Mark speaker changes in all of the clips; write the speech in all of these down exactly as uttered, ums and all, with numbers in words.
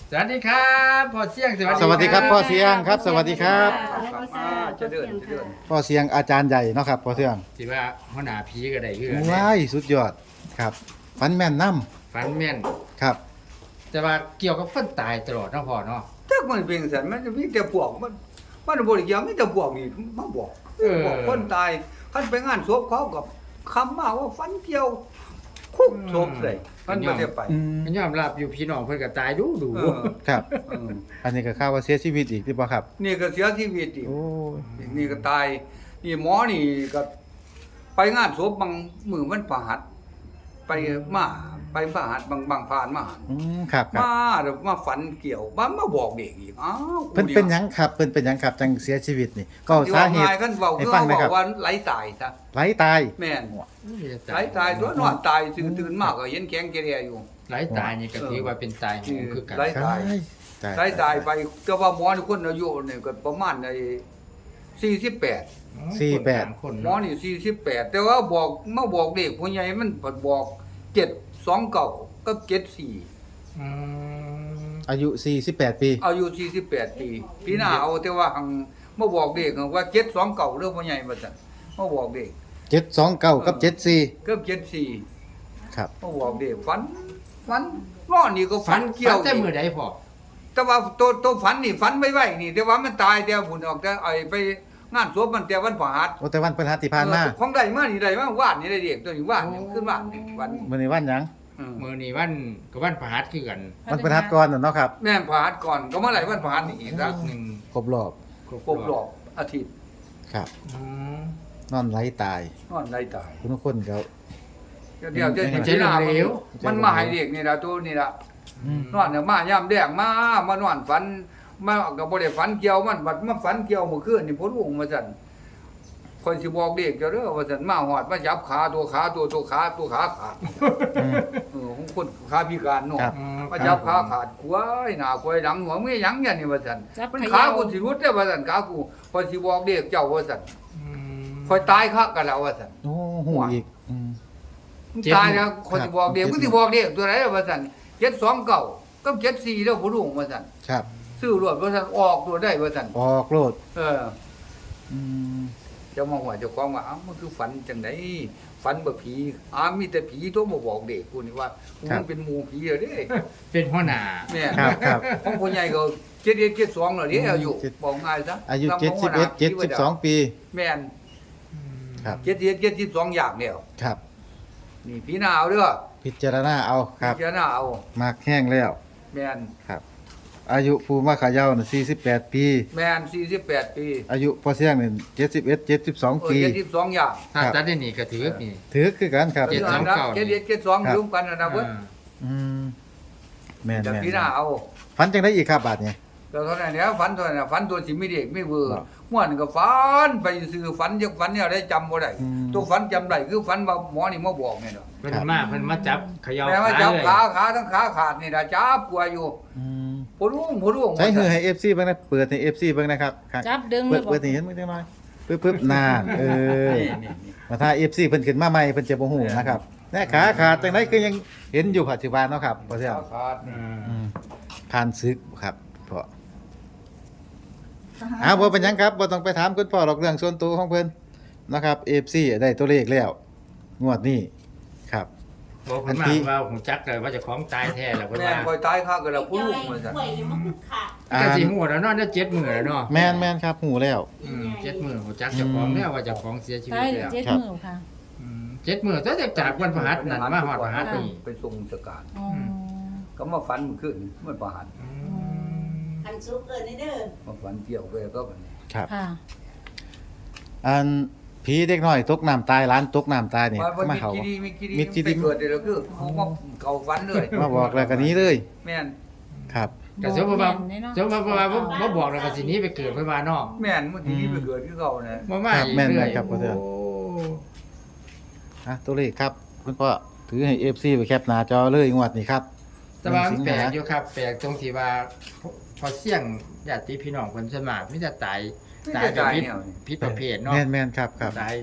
Speaker 1: สวัสดีครับพ่อเสี่ยง
Speaker 2: สวัสดีครับพ่อเสียงครับสวัสดีครับ
Speaker 3: จะเดินจะเดิน
Speaker 2: พ่อเสียงอาจารย์ใหญ่เนาะครับพ่อเสียง
Speaker 1: สิว่าหัวหน้าผีก็ได้คือกัน
Speaker 2: ว้ายสุดยอดครับฟันแม่นน้
Speaker 1: ฝันแม่น
Speaker 2: ำครับ
Speaker 1: แต่ว่าเกี่ยวกับคนตายตลอดเนาะพ่อเนาะ
Speaker 3: ถ้ามันเป็นสันมันจะมีแต่พวกมันมันบ่ได้เกี่ยวมีแต่พวกนี่มาบอกบอกคนตายคันไปงานศพเขากับคำมาว่าฟันเกี่ยวคุกศพเลยมันบ่ได้ไป
Speaker 2: อืม
Speaker 1: มันยอมรับอยู่พี่น้องเพิ่นก็ตายดูดู
Speaker 3: เออ
Speaker 2: ครับ
Speaker 3: เออ
Speaker 2: อันนี้ก็ข่าวว่าเสียชีวิตอีกหรือเปล่าครับ
Speaker 3: นี่ก็เสียชีวิตอีก
Speaker 2: โอ้ย
Speaker 3: นี่ก็ตายนี่หมอนี่ก็ไปงานศพบางมือมันประหัดไปมาไปประหัดบางบางผ่านมาหัน
Speaker 2: อืมครับครับ
Speaker 3: มาเดี๋ยวมาฝันเกี่ยวมามาบอกเด็กอีกอ้าว
Speaker 2: เพิ่นเป็นหยังครับเพิ่นเป็นหยังครับจังเสียชีวิตนี่ก็
Speaker 3: ที่
Speaker 2: สา
Speaker 3: ว่า
Speaker 2: เหตุ
Speaker 3: ง่ายกันเว้า
Speaker 2: ให้
Speaker 3: คือ
Speaker 2: ฟัง
Speaker 3: เขา
Speaker 2: หนะ
Speaker 3: บอ
Speaker 2: ครับ
Speaker 3: กว่าไหลตายซะ
Speaker 2: ไหลตาย
Speaker 3: แม่น
Speaker 1: ไห
Speaker 3: ไหลตายตัวนอนตายตื่นตื่นมากก็เห็นแข็งแกเรียอยู่
Speaker 1: ไหลตายนี่ก็ถือว่าเป็นตายโหงคือกัน
Speaker 3: ไหล
Speaker 2: ตายตาย
Speaker 3: ไหลตายไปแต่ว่าหมอนี่คนอายุนี่ก็ประมาณไอ้สี่สิบแปด
Speaker 2: สี่แปด
Speaker 1: คน
Speaker 3: หมอนี่สี่สิบแปดแต่ว่าบอกมาบอกเด็กผู้ใหญ่มันเพิ่นบอกเจ็ดสองเก้ากับเจ็ดสี่
Speaker 1: อืม
Speaker 2: อายุสี่สิบแปดปี
Speaker 3: อายุสี่สิบแปดปีพี่น้าเอาแต่ว่าหังมาบอกเด็กว่าเจ็ดสองเก้าเรื่องผู้ใหญ่ว่าซั่นมาบอกเด็ก
Speaker 2: เจ็ดสองเก้ากับเจ็ดสี่
Speaker 3: เกือบเจ็ดสี่
Speaker 2: ครับ
Speaker 3: มาบอกเด็กฝันฝันนอนนี่ก็
Speaker 1: ฝั
Speaker 3: ฝั
Speaker 1: น
Speaker 3: น
Speaker 1: เกี่
Speaker 3: เกี่
Speaker 1: ย
Speaker 3: ยว ว
Speaker 1: แต่มื้อใดพ่อ
Speaker 3: แต่ว่าตัวตัวฝันนี่ฝันไม่ไหวนี่แต่ว่ามันตายแต่ผุนออกแต่ไอ้ไปงานศพมันแต่วันพฤหัส
Speaker 2: โอ้แต่วันพฤหัสที่ผ่านมา
Speaker 3: เออของใดมานี่ใดมาวาดนี่ได้เด็กตัวนี้วาดนี่ขึ้นวาดนี่วัน
Speaker 2: มื้อนี้วันหยัง
Speaker 3: อืม
Speaker 1: มื้อนี้วันก็วันพฤหัสคือกัน
Speaker 2: วันพฤหัสก่อนน่ะเนาะครับ
Speaker 3: แม่นพฤหัสก่อนก็เมื่อไหร่วันพฤหัสนี่อีกครับ
Speaker 1: หนึ่ง
Speaker 2: ครบรอบ
Speaker 3: ครบรอบอาทิตย์
Speaker 2: ครับ
Speaker 1: อืม
Speaker 2: นอนไหลตาย
Speaker 3: นอนได้ตาย
Speaker 2: คุณทุกคนก็
Speaker 3: เดี๋ยวจะ
Speaker 2: เป็น
Speaker 3: เห็นหน้า
Speaker 1: เหลว
Speaker 3: มันมาให้เด็กนี่ล่ะตัวนี่ล่ะ
Speaker 2: อืม
Speaker 3: นอนเนี่ยมายามแดงมามานอนฝันมาก็บ่ได้ฝันเกี่ยวมันบัดมาฝันเกี่ยวเมื่อคืนนี่พ้นวงมาซั่นคนสิบอกเด็กเจ้าเด้อว่าซั่นมาหอดมาจับขาตัวขาตัวตัวขาตัวขาขาด
Speaker 2: อืม
Speaker 3: เออของคนขาพิการเนาะ
Speaker 2: ครับ
Speaker 1: อืม
Speaker 3: มาจับขาขาดกล้วยหน้ากล้วยหลังหัวมึงหยังเนี่ยนี่ว่าซั่น
Speaker 4: จับ
Speaker 3: มัน
Speaker 4: เข
Speaker 3: ขา
Speaker 4: ย่า
Speaker 3: กูสิรุดเด้อว่าซั่นขากูพอยสิบอกเด็กเจ้าว่าซั่น
Speaker 1: อืม
Speaker 3: คอยตายคักกันแล้วว่าซั่น
Speaker 2: โอ้โหอีกอืม
Speaker 3: มึงตายแล้วคนสิบอกเด็ก
Speaker 2: ครับ
Speaker 3: มึงสิบอกเด็กตัวไหนว่าซั่นเจ็ดสองเก้ากับเจ็ดสี่แล้วผู้ลุงว่าซั่น
Speaker 2: ครับ
Speaker 3: ซื้อรวดว่าซั่นออกตัวได้ว่าซั่น
Speaker 2: ออกโลด
Speaker 3: เออ
Speaker 2: อืม
Speaker 3: เจ้ามาหัวเจ้าของว่าอ้าวมันคือฝันจังไดฝันบ่ผีอ้ามีแต่ผีโทรมาบอกเด็กกูนี่ว่ากูมันเป็นหมู่ผีเหรอเด้
Speaker 1: เป็นหัวหน้า
Speaker 3: แม่
Speaker 2: ครับครับ
Speaker 3: ของผู้ใหญ่ก็เจ็ดเอ็ดเจ็ดสองแล้วเด้อายุ
Speaker 2: เจ็ด
Speaker 3: บอกง่ายซะ
Speaker 2: อายุ
Speaker 3: ตาม
Speaker 2: เจ็ดสิบเอ็ด
Speaker 3: ข
Speaker 2: เจ็ดสิบสองปี
Speaker 3: แม่น
Speaker 2: ครับ
Speaker 3: เจ็ดสิบเอ็ดเจ็ดสิบสองอย่างแล้ว
Speaker 2: ครับ
Speaker 3: นี่พี่นาเอาเด้อ
Speaker 2: พิจารณาเอาครับ
Speaker 3: พี่นาเอา
Speaker 2: มากแห้งแล้ว
Speaker 3: แม่น
Speaker 2: ครับ อายุภูมิขาเยาวน่ะสี่สิบแปดปี
Speaker 3: แม่นสี่สิบแปดปี
Speaker 2: อายุพอเสียงนี่เจ็ดสิบเอ็ดเจ็ดสิบสอง
Speaker 3: เออ
Speaker 2: ปี
Speaker 3: เจ็ดสิบสองอย่าง
Speaker 1: ถ้า
Speaker 2: ครับ
Speaker 1: ตัดได้นี่ก็ถือนี่
Speaker 2: ถือคือกันครับ
Speaker 1: เจ็ดสองเก้า
Speaker 3: เจ็ดเอ็ดเจ็ดสอง
Speaker 2: ครับ
Speaker 3: รวมกันนะนะเพิ่น
Speaker 1: อ่า
Speaker 2: อืมแม่น
Speaker 3: แต่
Speaker 2: แม่น
Speaker 3: พี่นาเอา
Speaker 2: ฝันจังได้อีกครับบาดนี้
Speaker 3: ก็เท่านั้นแหล้วฝันเท่านั้นน่ะฝันตัวสิไม่เด็กไม่เวอร์
Speaker 2: ครับ
Speaker 3: ม่วนก็ฝันไปซื้อฝันจักฝันเนี่ยได้จำบ่ได้
Speaker 2: อืม
Speaker 3: ตัวฝันจำได้คือฝันว่าหมอนี่มาบอกนี่เนาะ
Speaker 1: เพิ่นมาเพิ่นมาจับเขย่า
Speaker 3: แม่ว่า
Speaker 1: ขา
Speaker 3: จับ
Speaker 1: เลย
Speaker 3: ขาขาทั้งขาขาดนี่ล่ะจับกลัวอยู่
Speaker 2: อืม
Speaker 3: ผู้ลุงผู้ลุง
Speaker 2: ใช้หือให้ เอฟ ซี เบิ่งนะเปิดให้ เอฟ ซี เบิ่งนะครับครับ
Speaker 4: จับดึง
Speaker 2: เปิด
Speaker 4: เลยบอก
Speaker 2: เปิดให้เห็นมึงจังหน่อยปึ๊บปึ๊บนานเออ
Speaker 3: นี่นี่นี่
Speaker 2: มาถ้า เอฟ ซี เพิ่นขึ้นมาใหม่เพิ่นจะบ่ฮู้นะครับแน่ขาขาดจังไดคือยังเห็นอยู่ปัจจุบันเนาะครับพอเสียง
Speaker 3: ขาขาดนี่
Speaker 1: อ่า
Speaker 2: อืมผ่านศึกครับพ่ออ้าวบ่เป็นหยังครับบ่ต้องไปถามคุณพ่อหรอกเรื่องส่วนตัวของเพิ่นนะครับ เอฟ ซี ได้ตัวเลขแล้วงวดนี้ครับ
Speaker 1: บอกเพิ่นมาว่าหูจักเลยว่าเจะของตายแท้แล้วเพิ่น
Speaker 3: แม่
Speaker 1: ว่า
Speaker 3: คอยตายคักก็แล้วผู้ลุงว่าซั่น
Speaker 2: อ่า
Speaker 1: ก็สิฮู้แล้วเนาะได้เจ็ดมื้อแล้วเนาะ
Speaker 2: แม่นแม่นครับหูแล้ว
Speaker 1: อืมเจ็ดมื้อหูจักเจ้าของแล้วว่าเจ้าของเสียชีวิ
Speaker 4: ตา
Speaker 1: ต
Speaker 4: ย
Speaker 1: แล้ว
Speaker 4: เจ็ด
Speaker 2: ครับ
Speaker 4: มือค่ะ
Speaker 1: อืมเจ็ดมื้อแต่จากวันพฤหัสนั่นมาฮอดพฤหัสนี่
Speaker 3: ไปส่งสการ
Speaker 4: อ๋อ
Speaker 3: ก็มาฝันเมื่อคืนมันประหาร
Speaker 1: อืม
Speaker 5: คันซุปเอิ้นนี่เด้อ
Speaker 3: มาฝันเกี่ยวไปก็บัดนี้
Speaker 2: ครับ
Speaker 4: ค่ะ
Speaker 2: อันผีเด็กน้อยตกน้ำตายร้านตกน้ำตายนี่
Speaker 3: ว่าว่า
Speaker 2: มา
Speaker 3: มี
Speaker 2: เขา
Speaker 3: กี่ดีมีกี่ดี
Speaker 2: มีกี่ดี
Speaker 3: ไปเกิดเดี๋ยวคือเขามาเขาฝันเลย
Speaker 2: มาบอกแล้วกันนี้เลย
Speaker 3: แม่น
Speaker 2: ครับ
Speaker 1: ก็สมมุติว่าสมมุติว่าบ่บ่บอกแล้วก็สิหนี้ไปเกิดเพิ่นว่าเนาะ
Speaker 3: แม่นมันที่นี่ไปเกิดคือเขานะ
Speaker 1: บ่มา
Speaker 2: ครับ
Speaker 1: อีก
Speaker 2: แม่น
Speaker 1: เรื่อย
Speaker 2: ครับพ่อเทือง
Speaker 1: โ
Speaker 2: อ่ะตัวเลขครับคุณพ่อถือให้ เอฟ ซี ไปแคปหน้าจอเลยงวดนี้ครับ
Speaker 1: แต่ว่ามันแปลก
Speaker 2: หนึ่งสิงหา
Speaker 1: อยู่ครับแปลกตรงที่ว่าพอเสี่ยงญาติพี่น้องเพิ่นส่วนมากมีแต่ตาย
Speaker 3: ไม่
Speaker 1: ตา
Speaker 3: ได้
Speaker 1: ยแบบ
Speaker 3: ตาย
Speaker 1: ผิด
Speaker 3: แนวนี้
Speaker 1: ผิดประเภทเนาะ
Speaker 2: แม่นแม่นครับครับ
Speaker 1: ตายเข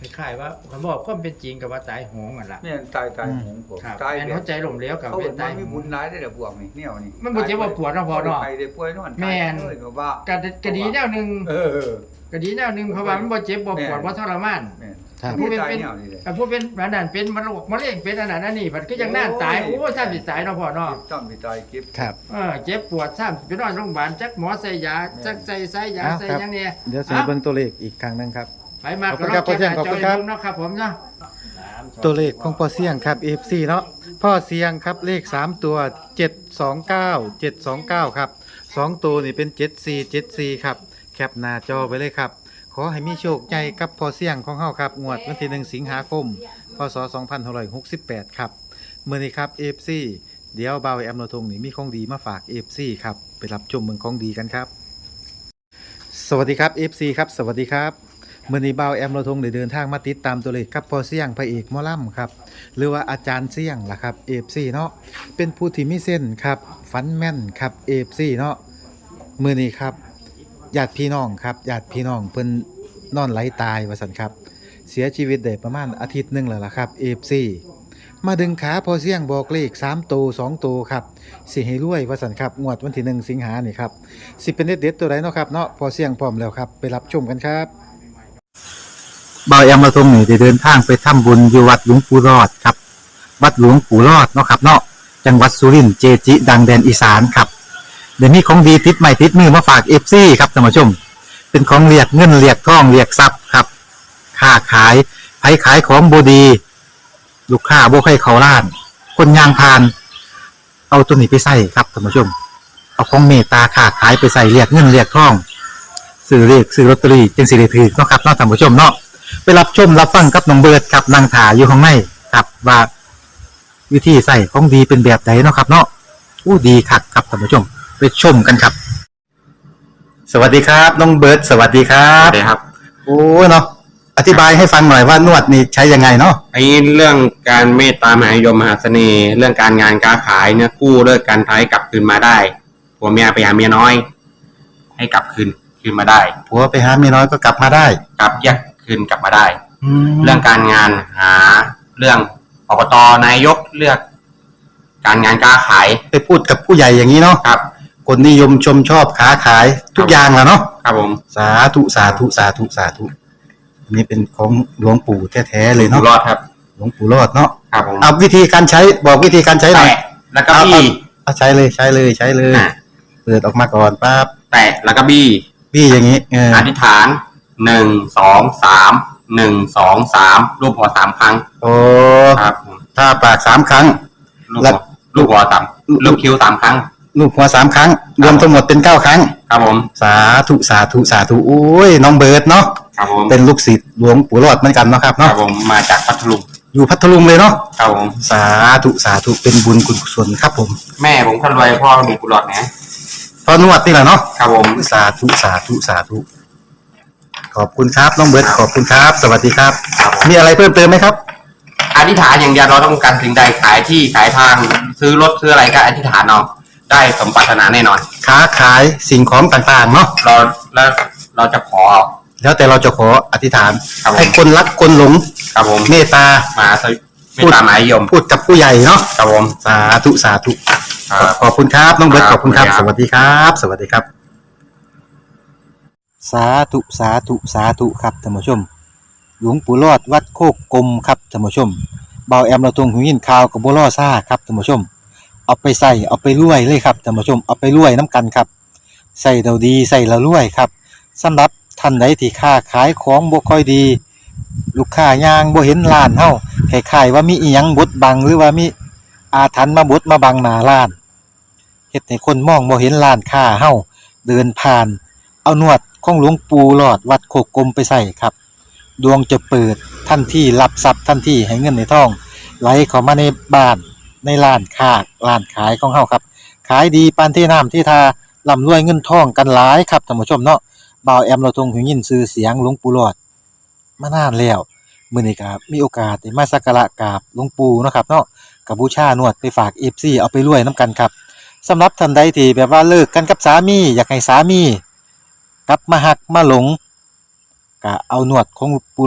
Speaker 1: คล้ายๆว่าคำบอกความเป็นจริงกับว่าตายโหงอ่ะล่ะ
Speaker 3: เนี่ยตายตายหงผม
Speaker 1: ครับ
Speaker 3: ตาย
Speaker 1: แม่น
Speaker 3: แบ
Speaker 1: หั
Speaker 3: บ
Speaker 1: วใจล้มเหลวกับ
Speaker 3: เขา
Speaker 1: เป็
Speaker 3: เห็
Speaker 1: น
Speaker 3: น
Speaker 1: ตา
Speaker 3: ว่าย มีบุญหลายได้แต่พวกนี้เนี่ยนี่
Speaker 1: มันบ่เจ็บบ่ปวดเนาะพ่อเนาะ
Speaker 3: ไปได้ป่วยนอน
Speaker 1: แม่น
Speaker 3: เลยก็ว่า
Speaker 1: ก็ก็ดีแนวหนึง
Speaker 3: เออ
Speaker 1: ก็ดีแนวหนึงเพราะว่ามันบ่เจ็บบ่ปวดบ่ทรมาน
Speaker 3: แม่น
Speaker 2: ครับ
Speaker 3: ผู้เป็นเป็นแนวนี้เลย
Speaker 1: แต่ผู้เป็นอันนั้นเป็นมะโรคมะเร็งเป็นอันนั้นอันนี้มันก็ยังน่าตาย
Speaker 3: โอ้
Speaker 1: โอ้
Speaker 3: ย
Speaker 1: ยถ้าสิตายเนาะพ่อเนาะ
Speaker 3: ต้องมีตายเก็บ
Speaker 2: ครับ
Speaker 1: เออเจ็บปวดซ้ำไปนอนโรงพยาบาลจักหมอใส่ยาจักใส่สายยา
Speaker 2: อ้าว
Speaker 1: ใส่
Speaker 2: ครับ
Speaker 1: หยังเนี่ย
Speaker 2: เดี๋ยวสิเบิ่งตัวเลขอีกครั้งหนึงครับ
Speaker 1: ไปมา
Speaker 2: ขอบคุณครับ
Speaker 1: ก็ลง
Speaker 2: ขอบคุณครับ
Speaker 1: เนาะครับผมเนาะ
Speaker 2: ตัวเลขของพ่อเสี่ยงครับ เอฟ ซี เนาะพ่อเสี่ยงครับเลขสามตัวเจ็ดสองเก้า เจ็ดสองเก้าครับสองตัวนี่เป็นเจ็ดสี่ เจ็ดสี่ครับแคปหน้าจอไว้เลยครับขอให้มีโชคใหญ่กับพ่อเสี่ยงของเฮาครับงวดวันที่หนึ่งสิงหาคมพศสองพันห้าร้อยหกสิบแปดครับมื้อนี้ครับ เอฟ ซี เดี๋ยวบ่าวแอมโนทงนี่มีของดีมาฝาก เอฟ ซี ครับไปรับชมเมืองของดีกันครับ สวัสดีครับ เอฟ ซี ครับสวัสดีครับมื่อนี้บ่าวแอมเราทงได้เดินทางมาติดตามตัวเลขครับพอเสี่ยงพระเอกหมอลำครับหรือว่าอาจารย์เสี่ยงล่ะครับ เอฟ ซี เนาะเป็นผู้ที่มีเส้นครับฟันแม่นครับ เอฟ ซี เนาะมื่อนี้ครับญาติพี่น้องครับญาติพี่น้องเพิ่นนอนไหลตายว่าซั่นครับเสียชีวิตได้ประมาณอาทิตย์หนึงแล้วล่ะครับ เอฟ ซี มาดึงขาพอเสี่ยงบอกเลขสามตัวสองตัวครับสิให้รวยว่าซั่นครับงวดวันที่หนึ่งสิงหานี่ครับสิเป็นเด็ดๆตัวใดเนาะครับเนาะพอเสี่ยงพร้อมแล้วครับไปรับชมกันครับบ่าวแอมมาทรงนี่ได้เดินทางไปทำบุญอยู่วัดหลวงปู่รอดครับวัดหลวงปู่รอดเนาะครับเนาะจังหวัดสุรินทร์เจจิดังแดนอีสานครับเดี๋ยวนี้ของดีติดใหม่ติดมือมาฝาก เอฟ ซี ครับท่านผู้ชมเป็นของเรียกเงินเรียกทองเรียกทรัพย์ครับค้าขายไผขายของบ่ดีลูกค้าบ่ให้เขาล้าน คนยางพาน เอาตัวนี้ไปใส่ครับท่านผู้ชม เอาของเมตตาค้าขายไปใส่เรียกเงินเรียกทองซื้อเรียกซื้อลอตเตอรี่จึงสิได้ถือเนาะครับเนาะท่านผู้ชมเนาะไปรับชมรับฟังกับน้องเบิร์ดครับนางถาอยู่ข้างในครับว่าวิธีใส่ของดีเป็นแบบไหนเนาะครับ เนาะอู้ดีคักครับท่านผู้ชมไปชมกันครับ สวัสดีครับน้องเบิร์ดสวัสดีครั
Speaker 4: ครับ บเลยครับ
Speaker 2: โอ้เนาะอธิบายให้ฟังหน่อยว่านวดนี่ใช้ยังไงเนาะ
Speaker 4: ไอ้เรื่องการเมตตามหานิยมมหาเสน่ห์ เรื่องการงานการขายเนี่ยกู้เลิกการท้ายกลับคืนมาได้ผัวเมียไปหาเมียน้อย ให้กลับคืนคืนมาได้
Speaker 2: ผัวไปหาเมียน้อยก็กลับมาได้
Speaker 4: กลับแยกคืนกลับมาได้
Speaker 2: แล้
Speaker 4: เรื่
Speaker 2: ว
Speaker 4: องการงานหาเรื่องอบตนายกเลือก การงานการขาย
Speaker 2: ไปพูดกับผู้ใหญ่อย่างนี้เนาะ
Speaker 4: ครับ
Speaker 2: คนนิยมชมชอบค้าขายทุกอย่างแหละเนาะ
Speaker 4: ครับผม
Speaker 2: สาธุสาธุสาธุสาธุอันนี้เป็นของหลวงปู่แท้ๆเลย
Speaker 4: อยู่
Speaker 2: เนาะ
Speaker 4: รอดครับ
Speaker 2: หลวงปู่รอดเนาะ
Speaker 4: ครับผม
Speaker 2: เอาวิธีการใช้บอกวิธีการใช้หน่อย
Speaker 4: แตะแล้วก็บี้
Speaker 2: เอาใช้เลยใช้เลยใช้เลย
Speaker 4: อ่ะ
Speaker 2: เปิดออกมาก่อนปั๊บ
Speaker 4: แตะแล้วก็บี้
Speaker 2: พี่อย่างนี้เออ
Speaker 4: อธิษฐานหนึ่งสองสามหนึ่งสองสามรูปหัวสามครั้ง
Speaker 2: โอ้
Speaker 4: ครับผม
Speaker 2: ถ้าปากสามครั้ง
Speaker 4: ลูก
Speaker 2: แล้
Speaker 4: หั
Speaker 2: ว
Speaker 4: วลูกหัวสามลูกคิ้วสามครั้ง
Speaker 2: ลูกหัวสามครั้ง รวมทั้งหมดเป็นเก้าครั้ง
Speaker 4: ครับผม
Speaker 2: สาธุสาธุสาธุโอ้ยน้องเบิร์ดเนาะ
Speaker 4: ครับผม
Speaker 2: เป็นลูกศิษย์หลวงปู่รอดเหมือนกันเนาะครับ
Speaker 4: ครั
Speaker 2: เนาะ
Speaker 4: บผมมาจากพัทลุง
Speaker 2: อยู่พัทลุงเลยเนาะ
Speaker 4: ครับผม
Speaker 2: สาธุสาธุเป็นบุญกุศลครับผม
Speaker 4: แม่ผมคนรวยพ่อมีกุหลาบนะ
Speaker 2: พอนวดนี่แหละเนาะ
Speaker 4: ครับผม
Speaker 2: สาธุสาธุสาธุขอบคุณครับน้องเบิร์ดขอบคุณครับ สวัสดีครับ
Speaker 4: ครับผม
Speaker 2: มีอะไรเพิ่มเติมไหมครับ
Speaker 4: อธิษฐานอย่างเดียวเราต้องการสิ่งใดขายที่ขายทางซื้อรถซื้ออะไรก็อธิษฐานเอาได้สมปรารถนาแน่นอน
Speaker 2: ค้าขายสิ่งของต่างๆเนาะ
Speaker 4: เราแล้วเราจะขอ
Speaker 2: แล้วแต่เราจะขออธิษฐาน
Speaker 4: ครับผม
Speaker 2: ให้คนรักคนหลง
Speaker 4: ครับผม
Speaker 2: เมตตา
Speaker 4: มาสวิไม่ตามหมายยม
Speaker 2: พูดกับผู้ใหญ่เนาะ
Speaker 4: ครับผม
Speaker 2: สาธุสาธุ
Speaker 4: ครับ
Speaker 2: ขอบคุณครับน้องเบิร์ต
Speaker 4: ค
Speaker 2: ข
Speaker 4: รับ
Speaker 2: อบคุณครับ
Speaker 4: ขอบ
Speaker 2: ส
Speaker 4: คุณครับ
Speaker 2: วัสดีครับ สวัสดีครับ สาธุสาธุสาธุครับท่านผู้ชม หลวงปู่รอดวัดโคกกลมครับท่านผู้ชมเบาแอมเราตรงหูยินข่าวกับบัวล่อซ่าครับท่านผู้ชม เอาไปใส่เอาไปรวยเลยครับท่านผู้ชมเอาไปรวยน้ำกันครับใส่เราดีใส่เรารวยครับสำหรับท่านใดที่ค้าขายของบ่ค่อยดี ลูกค้ายางบ่เห็นร้านเฮาคล้ายๆว่ามีอีหยังบดบังหรือว่ามีอาถรรพ์มาบดมาบังหน้าร้านเฮ็ดให้คนมองบ่เห็นร้านค้าเฮาเดินผ่าน เอานวดของหลวงปู่หลอดวัดโคกกลมไปใส่ครับ ดวงจะเปิดทันทีรับทรัพย์ทันทีให้เงินในท้องไหลเข้ามาในบ้านในร้านค้าร้านขายของเฮาครับขายดีปานที่น้ำที่ทาร่ำรวยเงินทองกันหลายครับท่านผู้ชมเนาะบ่าวแอมเราทรงหูยินชื่อเสียงหลวงปู่หลอดมานานแล้วมื้อนี้ก็มีโอกาสได้มาสักการะกราบหลวงปู่เนาะครับเนาะก็บูชานวดไปฝาก เอฟ ซี เอาไปรวยนํกันครับสำหรับท่านใดที่แบบว่าเลิกกันกับสามีอยากให้สามีกลับมาหักมาหลงก็เอานวดของปู่หลอดไป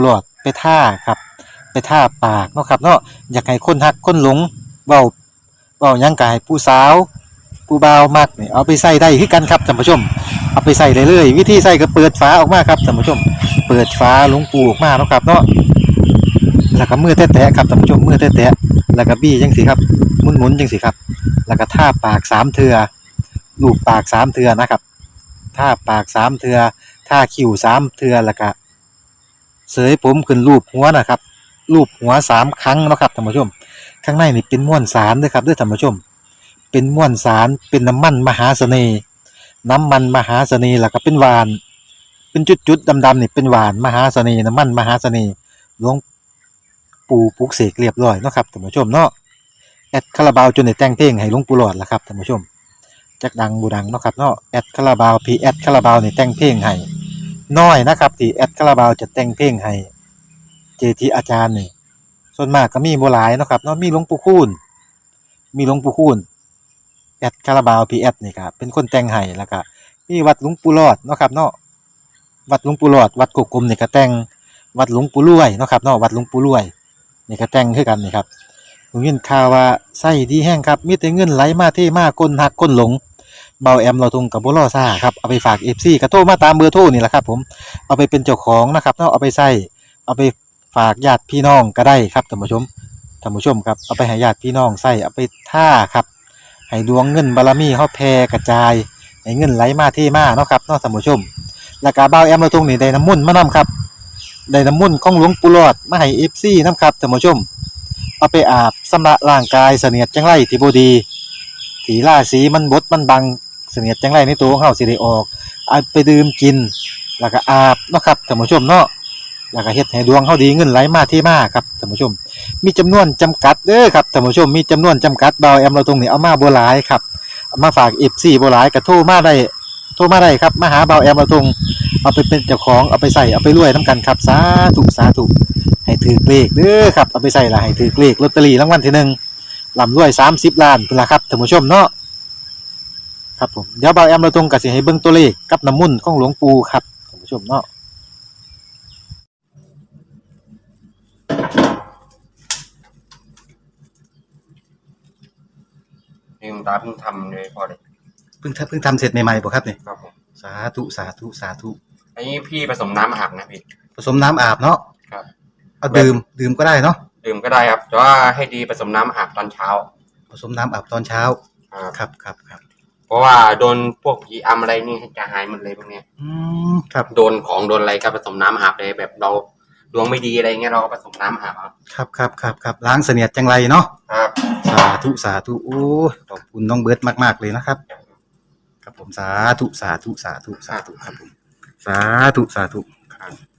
Speaker 2: ไปท่าครับไปท่าปากเนาะครับเนาะอยากให้คนฮักคนหลงเว้าเว้าหยังกายผู้สาวผู้บ่าวมักนี่เอาไปใส่ได้คือกันครับท่านผู้ชมเอาไปใส่ได้เลยวิธีใส่ก็เปิดฝาออกมาครับท่านผู้ชมเปิดฝาหลวงปูออกมาเนาะครับเนาะแล้วก็มือแตะๆครับท่านผู้ชมมือแตะๆแล้วก็บี้จังซี่ครับหมุนๆจังซี่ครับแล้วก็ท่าปากสามเทื่อลูบปากสามเทื่อนะครับท่าปากสามเทื่อท่าคิ้วสามเทื่อแล้วก็เสยผมขึ้นรูปหัวนะครับรูปหัวสามครั้งเนาะครับท่านผู้ชมข้างในนี่เป็นม้วนสารเด้อครับเด้อท่านผู้ชมเป็นม้วนสารเป็นน้ำมันมหาเสน่ห์น้ำมันมหาเสน่ห์แล้วก็เป็นหวานเป็นจุดๆดำๆนี่เป็นหวานมหาเสน่ห์น้ำมันมหาเสน่ห์หลวงปู่ปลุกเสกเรียบร้อยเนาะครับท่านผู้ชมเนาะแอดคาราบาวจนได้แต่งเพลงให้หลวงปู่หลอดล่ะครับท่านผู้ชมจักดังบูดังเนาะครับเนาะแอดคาราบาวพีแอดคาราบาวนี่แต่งเพลงให้น้อยนะครับที่แอดคาราบาวจะแต่งเพลงให้เจทีอาจารย์นี่ส่วนมากก็มีบ่หลายเนาะครับเนาะมีหลวงปู่คูณมีหลวงปู่คูณแอดคาราบาวพีแอดนี่ครับเป็นคนแต่งให้แล้วก็มีวัดหลวงปู่หลอดเนาะครับเนาะวัดหลวงปู่หลอดวัดกกกลมนี่ก็แต่งวัดหลวงปู่รวยเนาะครับเนาะวัดหลวงปู่รวยนี่ก็แต่งคือกันนี่ครับผมยินข่าวว่าไส้ดีแห้งครับมีแต่เงินไหลมาเทมาคนหักคนหลงเบาแอมเราทงกับบ่รอซ่าครับเอาไปฝาก เอฟ ซี ก็โทรมาตามเบอร์โทรนี่แหละครับผมเอาไปเป็นเจ้าของนะครับเนาะเอาไปใส่เอาไปฝากญาติพี่น้องก็ได้ครับท่านผู้ชมท่านผู้ชมครับเอาไปให้ญาติพี่น้องใส่เอาไปท่าครับให้ดวงเงินบารมีเฮาแผ่กระจายให้เงินไหลมาเทมาเนาะครับเนาะท่านผู้ชมแล้วก็เบาแอมเราทงนี่ได้น้ำมุ่นต์มานํครับได้น้ำมุ่นต์ของหลวงปู่หลอดมาให้ เอฟ ซี นํครับท่านผู้ชมเอาไปอาบชำระร่างกายเสนียดจังไรที่บ่ดีที่ราศีมันบดมันบังเสนียดจังไรในตัวของเฮาสิได้ออกเอาไปดื่มกินแล้วก็อาบเนาะครับท่านผู้ชมเนาะแล้วก็เฮ็ดให้ดวงเฮาดีเงินไหลมาเทมาครับท่านผู้ชมมีจำนวนจำกัดเด้อครับท่านผู้ชมมีจำนวนจำกัดเบาแอมเราตรงนี้เอามาบ่หลายครับเอามาฝาก เอฟ ซี บ่หลายก็โทรมาได้โทรมาได้ครับมาหาเบาแอมเราตรงเอาไปเป็นเจ้าของเอาไปใส่เอาไปรวยนํกันครับสาธุสาธุให้ถือเลขเด้อครับเอาไปใส่ละให้ถือเลขลอตเตอรี่รางวัลที่หนึ่งร่ำรวยสามสิบล้านพุ่นล่ะครับท่านผู้ชมเนาะครับผมเดี๋ยวเบาแอมเราตรงก็สิให้เบิ่งตัวเลขกับน้ำมุ่นต์ของหลวงปู่ครับท่านผู้ชมเนาะ
Speaker 4: ลืมตาเพิ่งทำเลยพอเลย
Speaker 2: เพิ่งทำเพิ่งทำเสร็จใหม่ๆบ่ครับเนี่ย
Speaker 4: ครับผม
Speaker 2: สาธุสาธุสาธุ
Speaker 4: อันนี้พี่ผสมน้ำอาบนะพี่
Speaker 2: ผสมน้ำอาบเนาะ
Speaker 4: ครับ
Speaker 2: เอาดื่มดื่มก็ได้เนาะ
Speaker 4: ดื่มก็ได้ครับแต่ว่าให้ดีผสมน้ำอาบตอนเช้า
Speaker 2: ผสมน้ำอาบตอนเช้า
Speaker 4: ครับ
Speaker 2: ครับครับครับ
Speaker 4: เพราะว่าโดนพวกผีอำอะไรนี่จะหายหมดเลยพวกเนี้ย
Speaker 2: อืมครับ
Speaker 4: โดนของโดนอะไรก็ผสมน้ำอาบเลยแบบเราดวงไม่ดีอะไรเงี้ยเราก็ผสมน้ำอาบเอา
Speaker 2: ครับครับครับครับล้างเสนียดจังไรเนาะ
Speaker 4: ครับ
Speaker 2: สาธุสาธุโอ้ยขอบคุณน้องเบิร์ตมากๆเลยนะครับ ครับผมสาธุสาธุสาธุสาธุครับผมสาธุสาธุ
Speaker 4: ครับ